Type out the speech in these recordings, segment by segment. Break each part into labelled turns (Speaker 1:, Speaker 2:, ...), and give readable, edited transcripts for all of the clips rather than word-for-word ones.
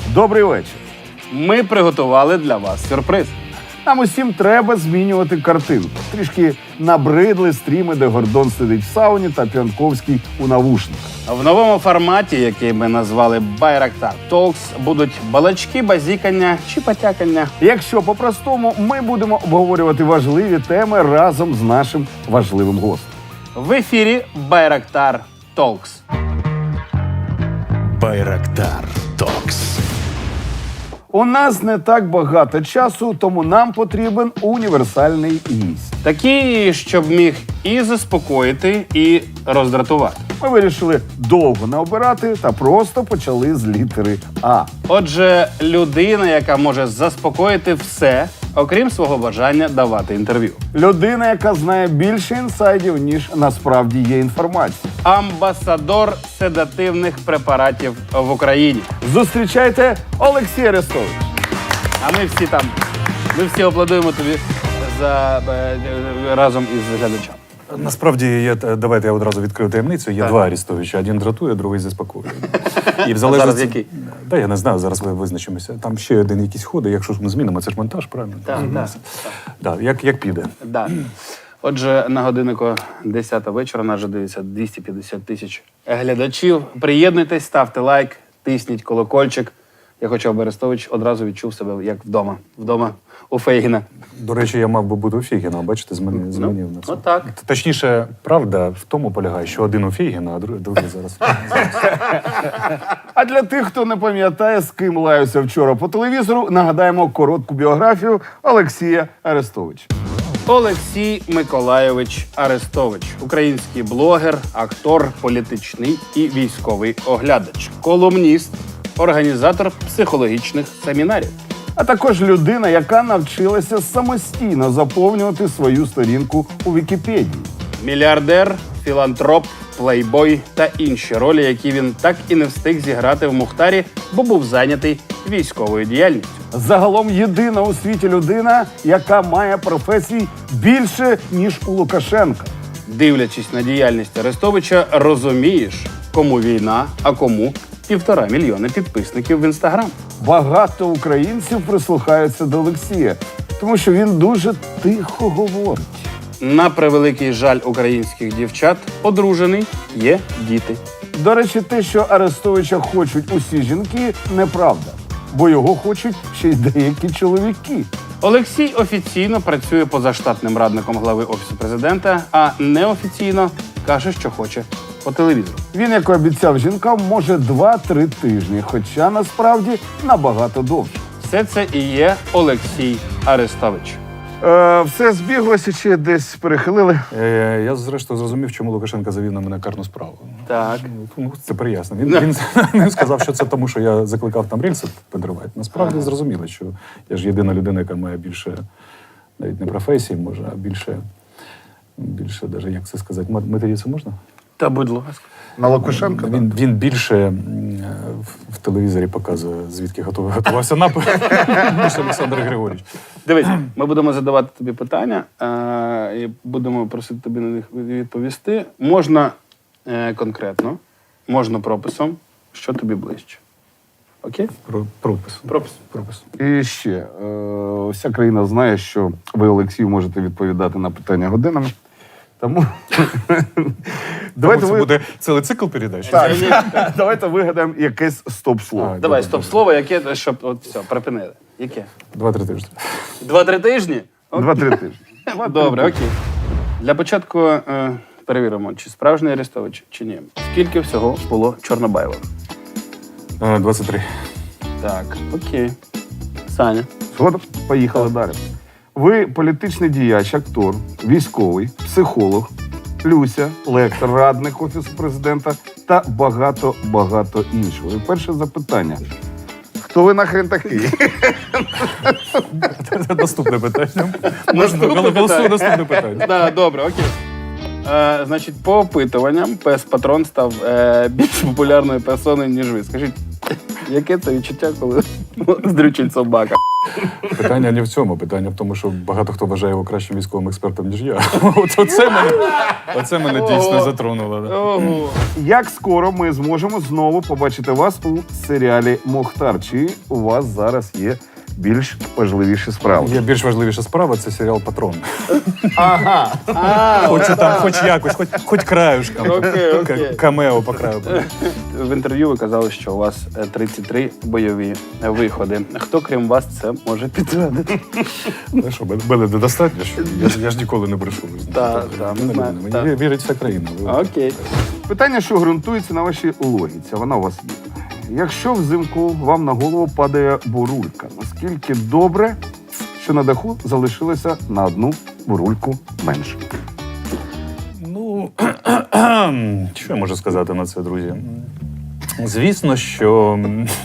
Speaker 1: Добрий вечір.
Speaker 2: Ми приготували для вас сюрприз.
Speaker 1: Нам усім треба змінювати картинку. Трішки набридли стріми, де Гордон сидить в сауні та П'янковський у навушниках.
Speaker 2: В новому форматі, який ми назвали Байрактар Talks, будуть балачки, базікання чи потякання.
Speaker 1: Якщо по-простому, ми будемо обговорювати важливі теми разом з нашим важливим гостем.
Speaker 2: В ефірі Байрактар Talks.
Speaker 3: Байрактар Токс.
Speaker 1: У нас не так багато часу, тому нам потрібен універсальний гість.
Speaker 2: Такий, щоб міг і заспокоїти, і роздратувати.
Speaker 1: Ми вирішили довго не обирати та просто почали з літери А.
Speaker 2: Отже, людина, яка може заспокоїти все, окрім свого бажання давати інтерв'ю.
Speaker 1: Людина, яка знає більше інсайдів, ніж насправді є інформація.
Speaker 2: Амбасадор седативних препаратів в Україні.
Speaker 1: Зустрічайте Олексій Арестович.
Speaker 2: А ми всі аплодуємо тобі разом із глядачами.
Speaker 3: Насправді, давайте я одразу відкрию таємницю. Є два Арестовича. Один дратує, другий заспокоює. І в
Speaker 2: Зараз який?
Speaker 3: Да, я не знаю, зараз ми визначимося. Там ще один якийсь ходить, якщо ми змінимо, це ж монтаж, правильно? Да, як піде.
Speaker 2: Да. Отже, на годиннику 10 вечора нас вже дивиться 250 тисяч глядачів. Приєднуйтесь, ставте лайк, тисніть колокольчик. Я хочу, аби Арестович одразу відчув себе як вдома. Вдома у Фейгіна.
Speaker 3: До речі, я мав би бути у Фейгіна, бачите, змінив на це.
Speaker 2: Отак.
Speaker 3: Точніше, правда в тому полягає, що один у Фейгіна, а другий зараз.
Speaker 1: А для тих, хто не пам'ятає, з ким лаюся вчора по телевізору, нагадаємо коротку біографію Олексія Арестовича.
Speaker 2: Олексій Миколайович Арестович. Український блогер, актор, політичний і військовий оглядач. Колумніст, організатор психологічних семінарів.
Speaker 1: А також людина, яка навчилася самостійно заповнювати свою сторінку у Вікіпедії.
Speaker 2: Мільярдер, філантроп, плейбой та інші ролі, які він так і не встиг зіграти в Мухтарі, бо був зайнятий військовою діяльністю.
Speaker 1: Загалом єдина у світі людина, яка має професій більше, ніж у Лукашенка.
Speaker 2: Дивлячись на діяльність Арестовича, розумієш, кому війна, а кому 1,5 мільйона підписників в Інстаграм.
Speaker 1: Багато українців прислухаються до Олексія, тому що він дуже тихо говорить.
Speaker 2: На превеликий жаль українських дівчат, одружений, є діти.
Speaker 1: До речі, те, що Арестовича хочуть усі жінки, неправда. Бо його хочуть ще й деякі чоловіки.
Speaker 2: Олексій офіційно працює позаштатним радником глави Офісу Президента, а неофіційно каже, що хоче по телевізору.
Speaker 1: Він, як і обіцяв жінкам, може 2-3 тижні, хоча насправді набагато довше.
Speaker 2: Все це і є Олексій Арестович.
Speaker 1: Все збіглося чи десь перехилили?
Speaker 3: Я, зрештою, зрозумів, чому Лукашенко завів на мене карну справу.
Speaker 2: Так.
Speaker 3: Ну, це приясно. Він сказав, що це тому, що я закликав там рельси підривати. Насправді зрозуміло, що я ж єдина людина, яка має більше, навіть не професії, може, а більше, навіть, як це сказати, матеріться можна?
Speaker 2: Та будь ласка.
Speaker 1: На Лукашенка?
Speaker 3: Він більше в телевізорі показує, звідки готувався напад, ніж Олександр Григорійович.
Speaker 2: Дивись, ми будемо задавати тобі питання і будемо просити тобі на них відповісти. Можна конкретно, можна прописом, що тобі ближче. Окей?
Speaker 3: Пропис.
Speaker 1: І ще, вся країна знає, що ви, Олексію, можете відповідати на питання годинами. Тому
Speaker 3: Це буде цілий цикл передач?
Speaker 1: давайте вигадаємо якесь стоп-слово.
Speaker 2: Давай, стоп-слово, яке, щоб от все, припинили. Яке?
Speaker 3: 2-3 тижні.
Speaker 2: 2-3 тижні?
Speaker 1: 2-3 тижні.
Speaker 2: Добре, окей. Для початку перевіримо, чи справжній Арестович, чи ні. Скільки всього було Чорнобаєва?
Speaker 3: 23.
Speaker 2: Так, окей. Саня.
Speaker 1: Згодом? Поїхали далі. Ви політичний діяч, актор, військовий, психолог, Люся, лектор, радник Офісу Президента та багато іншого. І перше запитання. Хто ви нахрен такий?
Speaker 3: Наступне питання.
Speaker 2: Наступне питання. Да, добре, окей. Значить, по опитуванням пес Патрон став більш популярною персоною, ніж ви. Скажіть, Яке це відчуття, коли здрючить собака?
Speaker 3: Питання не в цьому. Питання в тому, що багато хто вважає його кращим військовим експертом, ніж я. Оце мене дійсно затронуло. Да.
Speaker 2: Ого.
Speaker 1: Як скоро ми зможемо знову побачити вас у серіалі «Мохтар»? Чи у вас зараз є більш важливіші справи?
Speaker 3: Є більш важливіша справа, це серіал «Патрон».
Speaker 1: Ага.
Speaker 3: Хочу там хоч якось, хоч краюшком.
Speaker 2: Окей.
Speaker 3: Камео по краю.
Speaker 2: В інтерв'ю ви казали, що у вас 33 бойові виходи. Хто, крім вас, це може підтвердити?
Speaker 3: Ну що, мене недостатньо, що я ж ніколи не брешу.
Speaker 2: Так, ми знаємо, так.
Speaker 3: Мені вірить вся країна.
Speaker 2: Окей.
Speaker 1: Питання, що ґрунтується на вашій логіці, вона у вас є. Якщо взимку вам на голову падає бурулька, наскільки добре, що на даху залишилося на одну бурульку менше?
Speaker 3: Ну, що я можу сказати на це, друзі? Звісно, що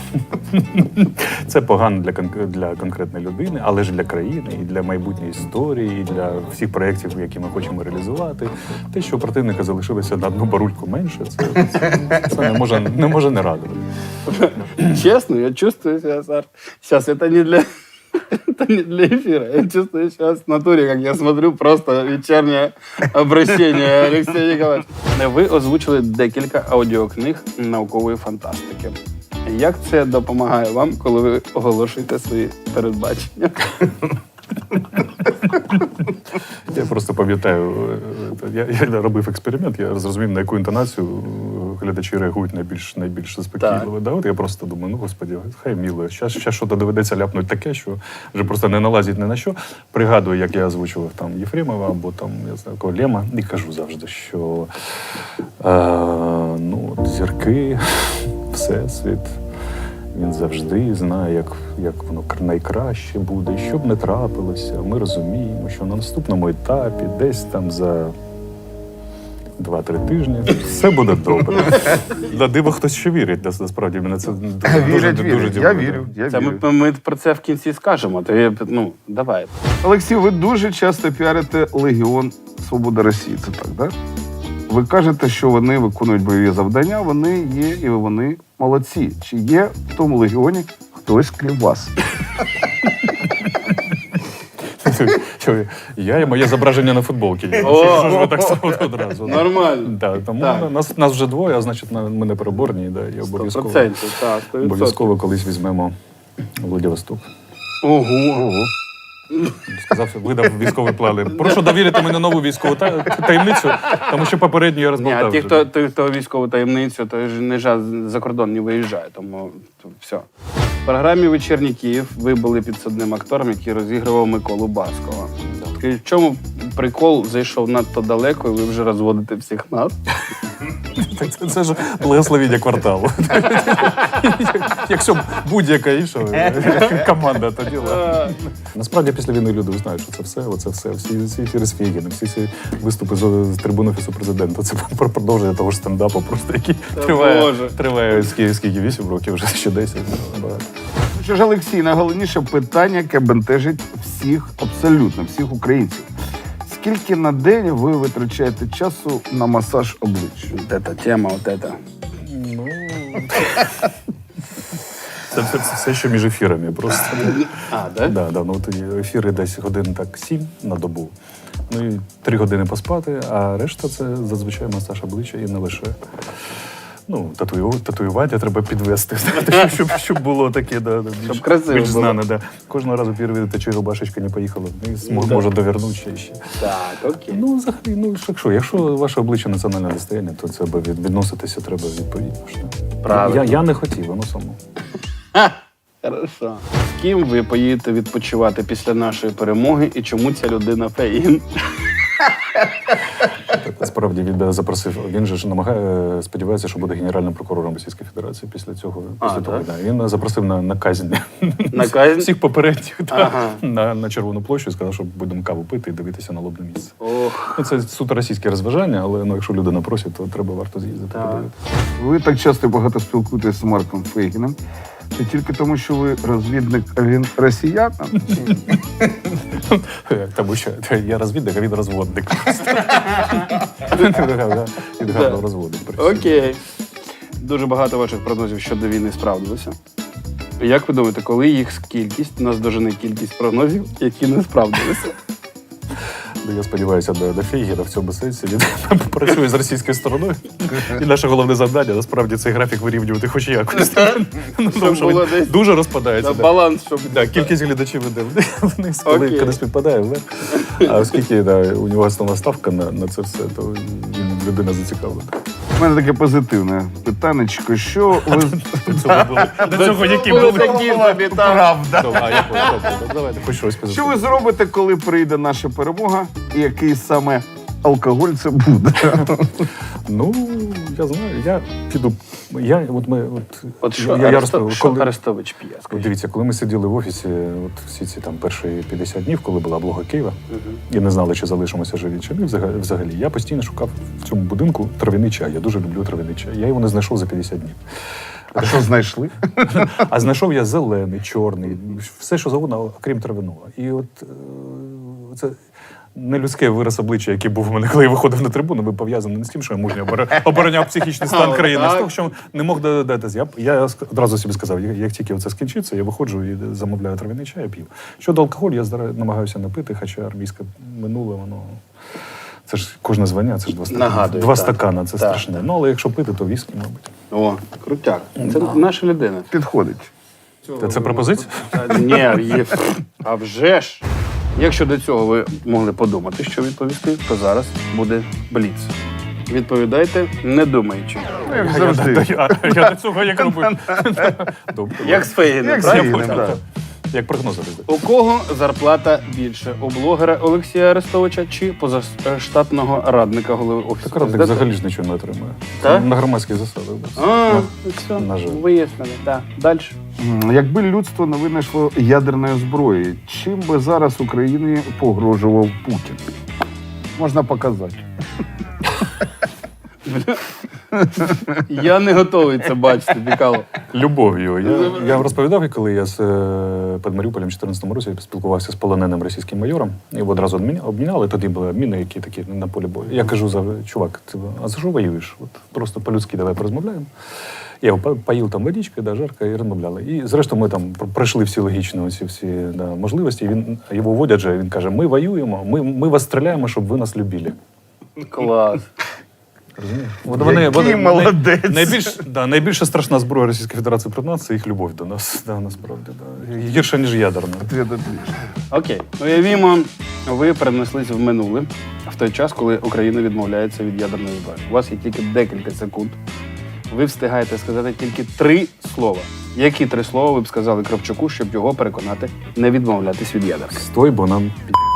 Speaker 3: це погано для конкретної людини, але ж для країни, і для майбутньої історії, і для всіх проєктів, які ми хочемо реалізувати. Те, що у противника залишилося на одну барульку менше, це не може не радувати.
Speaker 2: Честно, я чувствую себя, Саш. Сейчас это не для эфира. Я чувствую сейчас в натуре, как я смотрю просто вечернее обращение Алексея Николаевича. Ви озвучили декілька аудіокниг наукової фантастики. Як це допомагає вам, коли ви оголошуєте свої передбачення?
Speaker 3: Я просто пам'ятаю, я робив експеримент, я зрозумів, на яку інтонацію глядачі реагують найбільш заспокійливо. Да, от я просто думаю, ну, господи, хай міло, зараз щось доведеться ляпнути таке, що вже просто не налазить ні на що. Пригадую, як я озвучував там Єфремова або там, я знаю, кого, Лема, і кажу завжди, що зірки, всесвіт, він завжди знає, як воно найкраще буде, і що б не трапилося. Ми розуміємо, що на наступному етапі, десь там за 2-3 тижні, все буде добре. На диво хтось ще вірить, насправді. Мене це дуже
Speaker 1: Я
Speaker 3: дивує.
Speaker 1: вірю.
Speaker 2: Це ми про це в кінці скажемо. То я, давай.
Speaker 1: Олексій, ви дуже часто піарите Легіон Свобода Росії, це так, так? Ви кажете, що вони виконують бойові завдання, вони є і вони молодці. Чи є в тому легіоні хтось крім вас?
Speaker 3: Я і моє зображення на футболці. Що ж ви так само одразу?
Speaker 2: Нормально.
Speaker 3: Да, тому нас вже двоє, а значить ми не переборні. Да, і
Speaker 2: 100%, так, 100%.
Speaker 3: обов'язково колись візьмемо Владивосток.
Speaker 2: Ого.
Speaker 3: Сказав, видав військовий план. Прошу довірити мені нову військову таємницю, тому що попередню я розболтав.
Speaker 2: Ні, ті, хто військову таємницю, то ж не за кордон не виїжджає, тому все. В програмі «Вечірній Київ» ви були підсадним актором, який розігрував Миколу Баскова. В чому прикол зайшов надто далеко, і ви вже розводите всіх нас?
Speaker 3: Це ж благословіння кварталу. Якщо будь-яка інша команда, то діло. Насправді, після війни люди знають, що це все. Всі ефіри з Фєгіном, всі ці виступи з трибуни Офісу Президента. Це продовження того ж стендапу, просто який триває скільки, 8 років, вже ще 10.
Speaker 1: Що ж, Олексій, найголовніше питання, яке бентежить всіх, абсолютно всіх українців. Скільки на день ви витрачаєте часу на масаж обличчя?
Speaker 2: Вот эта тема, вот это.
Speaker 3: Ну, це все, що між ефірами просто.
Speaker 2: Да?
Speaker 3: Да, ну, ефіри десь годин так 7 на добу. Ну і 3 години поспати, а решта це зазвичай масаж обличчя і не лише. Ну, татуювання треба підвести, щоб було таке,
Speaker 2: Щоб красиво
Speaker 3: більш
Speaker 2: було.
Speaker 3: знане. Да. Кожного разу перевірити, чи рубашечка не поїхала вниз, може довернути ще.
Speaker 2: Так, окей.
Speaker 3: Ну, взагалі, якщо ваше обличчя національне достояння, то це відноситися треба відповідно.
Speaker 2: Правильно.
Speaker 3: Я не хотів, воно само.
Speaker 2: Хорошо. З ким ви поїдете відпочивати після нашої перемоги і чому ця людина феїн?
Speaker 3: Насправді він запросив, він же ж сподівається, що буде генеральним прокурором Російської Федерації після того. Того, да. Він запросив на казнь.
Speaker 2: На казнь?
Speaker 3: Всіх попередніх
Speaker 2: Ага.
Speaker 3: на Червону площу і сказав, що будемо каву пити і дивитися на лобне місце.
Speaker 2: Ох.
Speaker 3: Ну, це суто російське розважання, але якщо людина просить, то варто з'їздити.
Speaker 2: Так.
Speaker 3: Подивитися.
Speaker 1: Ви так часто і багато спілкуєтеся з Марком Фейгіном. Це тільки тому, що ви розвідник, а він росіян?
Speaker 3: Тому що я розвідник, а він розводник. Він гарно розводить.
Speaker 2: Окей. Дуже багато ваших прогнозів щодо війни справдилося. Як ви думаєте, коли їх кількість наздожене кількість прогнозів, які не справдилися?
Speaker 3: Я сподіваюся, до Фейгіна в цьому сенсі він працює з російською стороною. І наше головне завдання насправді цей графік вирівнювати хоч якось. Тому що
Speaker 2: було
Speaker 3: він
Speaker 2: десь
Speaker 3: дуже розпадається.
Speaker 2: на баланс, щоб...
Speaker 3: Кількість глядачів іде вниз,
Speaker 2: Окей.
Speaker 3: коли співпадає вверх. А оскільки у нього основна ставка на це все, то він людина зацікавлена.
Speaker 1: У мене таке позитивне питанечко. Що ви
Speaker 3: До цього які
Speaker 2: були
Speaker 3: були?
Speaker 2: такі собі, так.
Speaker 1: правда?
Speaker 3: Давайте хоч щось
Speaker 1: Що
Speaker 3: позитивне.
Speaker 1: ви зробите, коли прийде наша перемога, і який саме алкоголь це буде?
Speaker 3: Ну, я знаю, я піду.
Speaker 2: От що
Speaker 3: я розповів,
Speaker 2: що
Speaker 3: коли-
Speaker 2: Арестович п'є? скажіть?
Speaker 3: Дивіться, коли ми сиділи в офісі, всі ці там перші 50 днів, коли була облога Києва, і не знали, чи залишимося живі, чи ні, взагалі. Я постійно шукав в цьому будинку трав'яний чай. Я дуже люблю трав'яний чай. Я його не знайшов за 50 днів.
Speaker 1: А що знайшли?
Speaker 3: А знайшов я зелений, чорний, все, що завгодно, окрім трав'яного. І от це нелюдський вираз обличчя, який був у мене, коли я виходив на трибуну, був пов'язаний не з тим, що я мужньо обороняв психічний стан країни, а з того, що не мог додатися. Я одразу собі сказав, як тільки це скінчиться, я виходжу і замовляю трав'яний чай, я п'ю. Щодо алкоголю, я намагаюся не пити, хоча армійське минуле, воно... Це ж кожне звання, це ж два стакани.
Speaker 2: Нагадую,
Speaker 3: Два
Speaker 2: так.
Speaker 3: стакана, це
Speaker 2: Так,
Speaker 3: страшне.
Speaker 2: так.
Speaker 3: Ну, але якщо пити, то віскі, мабуть.
Speaker 2: О, крутяк. Це наша людина.
Speaker 1: Підходить.
Speaker 3: Це пропозиція?
Speaker 2: Ні, є. А вже ж. Якщо до цього ви могли подумати, що відповісти, то зараз буде бліц. Відповідайте, не думаючи.
Speaker 1: Як завжди.
Speaker 3: Я до цього як робив. Добре.
Speaker 2: Як з Фейгіним,
Speaker 1: Як з
Speaker 2: правильно?
Speaker 1: Фейгіним, так.
Speaker 3: Як прогнози.
Speaker 2: У кого зарплата більше? У блогера Олексія Арестовича чи позаштатного радника голови Офісу
Speaker 3: Так радник
Speaker 2: Президента?
Speaker 3: взагалі ж нічого не отримує.
Speaker 2: Так?
Speaker 3: На громадських засадах.
Speaker 2: А,
Speaker 3: Ну,
Speaker 2: все,
Speaker 3: на жаль.
Speaker 2: вияснили. Так, далі.
Speaker 1: Якби людство не винайшло ядерної зброї, чим би зараз Україні погрожував Путін? Можна показати.
Speaker 2: Я не готовий це бачити, Бікало.
Speaker 3: Любов'ю. Я розповідав, коли я з під Маріуполем в 2014 році спілкувався з полоненим російським майором. Його одразу обміняли, тоді були обміни, які такі на полі бою. Я кажу, чувак, а за що воюєш? От просто по-людськи давай порозмовляємо. Я його поїв там водичкою, да, жарко, і розмовляли. І зрештою ми там пройшли всі логічні всі можливості. І його вводять же, він каже, ми воюємо, ми вас стріляємо, щоб ви нас любили.
Speaker 2: Клас.
Speaker 3: Розумієш?
Speaker 1: Який молодець.
Speaker 3: Найбільша страшна зброя Російської Федерації проти нас – це їх любов до нас. Да, насправді. Да. Гірше, ніж ядерна.
Speaker 1: Ответ отличный.
Speaker 2: Окей. Уявімо, ви перенеслись в минуле, в той час, коли Україна відмовляється від ядерної зброї. У вас є тільки декілька секунд. Ви встигаєте сказати тільки 3 слова. Які 3 слова ви б сказали Кравчуку, щоб його переконати не відмовлятись від ядерки?
Speaker 3: Стой, бо нам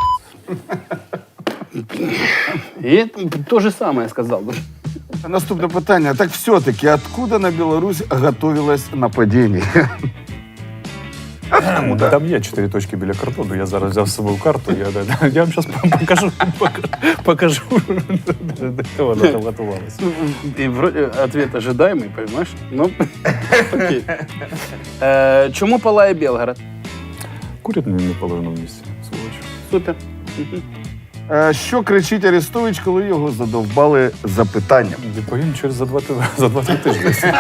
Speaker 2: І те ж саме я сказав.
Speaker 1: Наступне питання. Так все-таки, откуда на Беларусь готовилось нападение?
Speaker 3: Там є 4 точки біля кордону. Я зараз взяв з собою карту. Я вам зараз покажу, де вона там готувалася.
Speaker 2: І ответ ожидаемый, понимаешь? Ну, окей. Чому палає Белгород?
Speaker 3: Курять не половину в місці, сволочі.
Speaker 2: Супер.
Speaker 1: Що кричить Арестович, коли його задовбали запитанням?
Speaker 3: Відповім через за 2-3 тижні.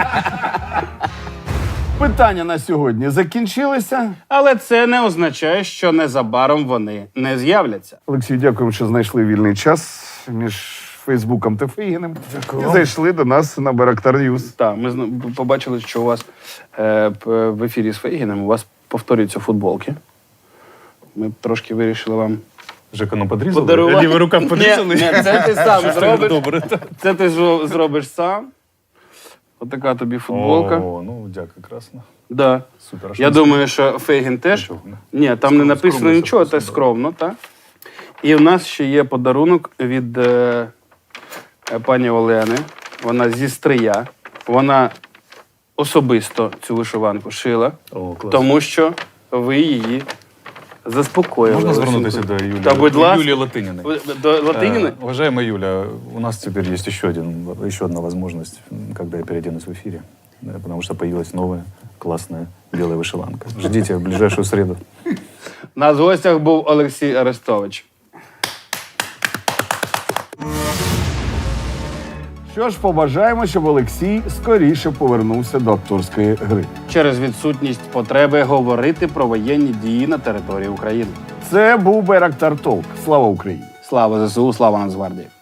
Speaker 1: Питання на сьогодні закінчилися.
Speaker 2: Але це не означає, що незабаром вони не з'являться.
Speaker 1: Олексію, дякуємо, що знайшли вільний час між Фейсбуком та Фейгіним. І зайшли до нас на Байрактар Ньюс.
Speaker 2: Так, ми побачили, що у вас в ефірі з Фейгіним у вас повторюються футболки. Ми трошки вирішили вам
Speaker 3: Жека, ну подрізали?
Speaker 2: подарувати.
Speaker 3: Лівий рукав подрізали?
Speaker 2: Ні, це ти сам зробиш.
Speaker 3: Добре.
Speaker 2: Це ти зробиш сам. Отака тобі футболка.
Speaker 3: О, ну дякую, красно.
Speaker 2: Да.
Speaker 3: Супер.
Speaker 2: Я думаю, що Фейгін теж.
Speaker 3: Нічого, не?
Speaker 2: Ні, там не написано
Speaker 3: Скромно,
Speaker 2: нічого,
Speaker 3: все
Speaker 2: це скромно, так. І в нас ще є подарунок від пані Олени. Вона зі Стрия. Вона особисто цю вишиванку шила,
Speaker 3: О, клас.
Speaker 2: тому що ви її заспокоїли.
Speaker 3: Можна звернутися до Юлії?
Speaker 2: Та, будь ласка.
Speaker 3: Юлії Латининой.
Speaker 2: До Латиніни?
Speaker 3: Уважаемая Юля, у нас теперь есть еще одна возможность, когда я переоденусь в эфире, потому что появилась новая классная белая вышиванка. Ждите в ближайшую среду.
Speaker 2: У нас в гостях був Олексій Арестович.
Speaker 1: Що ж, побажаємо, щоб Олексій скоріше повернувся до акторської гри.
Speaker 2: Через відсутність потреби говорити про воєнні дії на території України.
Speaker 1: Це був Байрактар Толк. Слава Україні!
Speaker 2: Слава ЗСУ, слава Нацгвардії!